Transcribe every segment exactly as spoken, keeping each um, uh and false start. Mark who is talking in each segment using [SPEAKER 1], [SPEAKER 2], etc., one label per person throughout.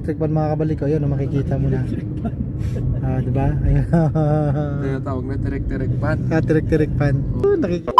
[SPEAKER 1] electric fan mga kabalik ko. Ayun, makikita mo na. Ah, di ba? Ayun.
[SPEAKER 2] Tinatawag na terek-terek pan.
[SPEAKER 1] Ah, tirik-tirik fan. Oh, nakikita.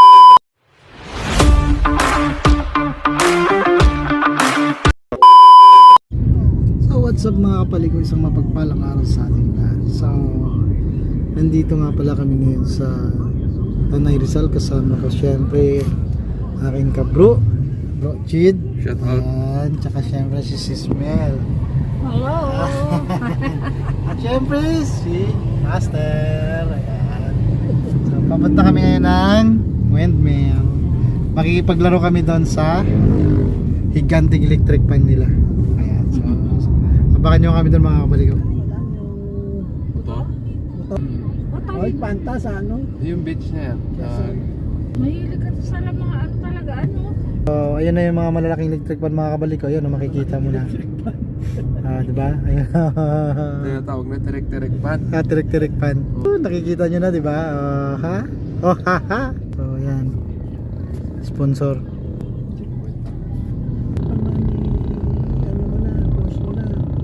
[SPEAKER 1] So, what's up mga kapalik ko? Isang mapagpalang araw sa ating lahat. So, nandito nga pala kami ngayon sa Tanay Rizal. Kasama ko syempre aking kabro, Bro Chid.
[SPEAKER 2] Shout out.
[SPEAKER 1] Ayan, tsaka syempre si Sis Mel.
[SPEAKER 3] Hello!
[SPEAKER 1] At syempre si Master. Ayan. So, papunta kami ngayon ng windmill. Makikipaglaro kami doon sa higanting electric fan nila. Ayan. So, abangan nyo kami doon mga kabalik ko.
[SPEAKER 2] Ito?
[SPEAKER 3] Ay, panta sa ano?
[SPEAKER 2] Yung beach na yan. Ah,
[SPEAKER 3] Mahilig ka sa mga ano talaga, ano?
[SPEAKER 1] So, ayan na yung mga malalaking electric fan mga kabalik ko. Ayun, makikita mo na. Ah, di ba? Ayun.
[SPEAKER 2] tinatawag na terek-terek pan.
[SPEAKER 1] Ah, tirik-tirik fan. Oh, nakikita nyo na, di ba? Oh, ha? Oh, ha, ha? So, ayan. Sponsor.
[SPEAKER 3] Ano mo na, boss mo na.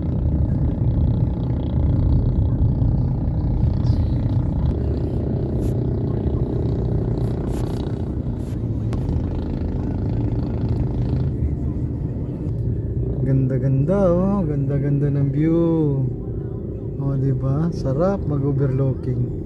[SPEAKER 1] Ganda-ganda oh, ganda-ganda ng view. Oh, di ba? Sarap mag-overlooking.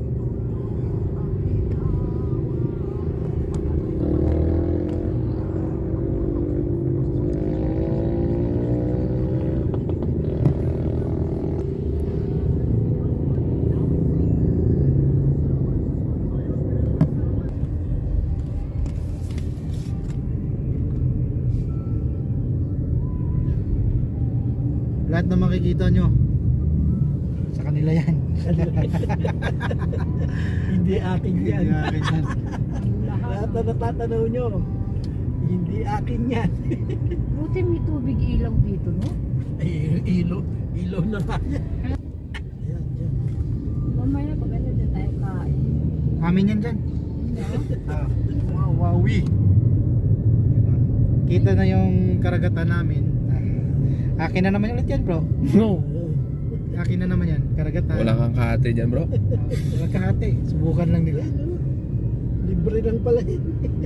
[SPEAKER 1] Lahat na makikita nyo sa kanila yan.
[SPEAKER 3] Hindi akin yan.
[SPEAKER 1] Hindi akin yan.
[SPEAKER 3] Lahat na natatanaw nyo, hindi akin yan.
[SPEAKER 4] Buti may tubig ilaw dito, no?
[SPEAKER 3] Ay, ilaw, ilaw na nga yan. Ayan, yan.
[SPEAKER 4] Mamaya pag ano dyan tayo kain.
[SPEAKER 1] Amin yan dyan. Ah, wow, wowie. Diba? Kita na yung karagatan namin. Ah, akin na naman ulit yan, bro.
[SPEAKER 3] No.
[SPEAKER 1] Akin na naman yan, karagatan.
[SPEAKER 2] Wala kang kahate dyan, bro.
[SPEAKER 1] Wala kahati. Subukan lang nila.
[SPEAKER 3] Libre lang pala yun.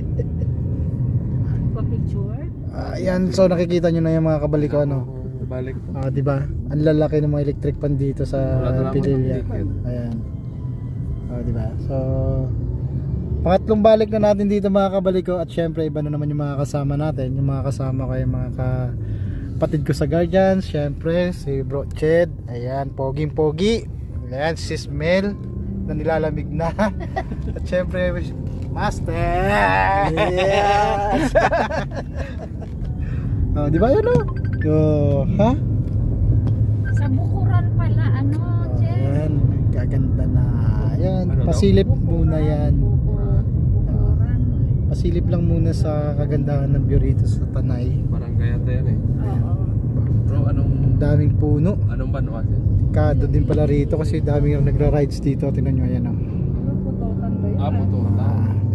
[SPEAKER 4] Pa-picture?
[SPEAKER 1] Ah, yan, so nakikita nyo na yung mga kabalik ko, ano.
[SPEAKER 2] Balik.
[SPEAKER 1] Ah, di ba? Ang lalaki ng mga electric fan dito sa
[SPEAKER 2] Wala na
[SPEAKER 1] Pililya.
[SPEAKER 2] naman ang
[SPEAKER 1] Ayan. Ah, di ba? So pangatlong balik na natin dito mga kabalik ko, at syempre iba na naman yung mga kasama natin, yung mga kasama ko, yung mga kapatid ko sa Guardians, syempre si Bro Ched, ayan, poging pogi. Ayan, si Sis Mel na nilalamig na. At syempre Master. Yes. Oh, di ba yun oh? Oh, ha?
[SPEAKER 4] Sa Bukuran pala, ano, Che?
[SPEAKER 1] Ayan, gaganda na. Ayan,
[SPEAKER 2] Ano daw?
[SPEAKER 1] pasilip muna yan.
[SPEAKER 4] Bukuran.
[SPEAKER 1] Pasilip lang muna sa kagandahan ng view rito sa Tanay.
[SPEAKER 2] Barangay ata yan eh.
[SPEAKER 4] Oo.
[SPEAKER 2] Bro, anong...
[SPEAKER 1] Daming puno.
[SPEAKER 2] Anong ban kasi?
[SPEAKER 1] Kado din pala rito kasi daming yung nagra-rides dito. Tingnan nyo, ayan oh.
[SPEAKER 4] Ano, putotan ba yun?
[SPEAKER 2] Ah, puto.
[SPEAKER 1] Ah,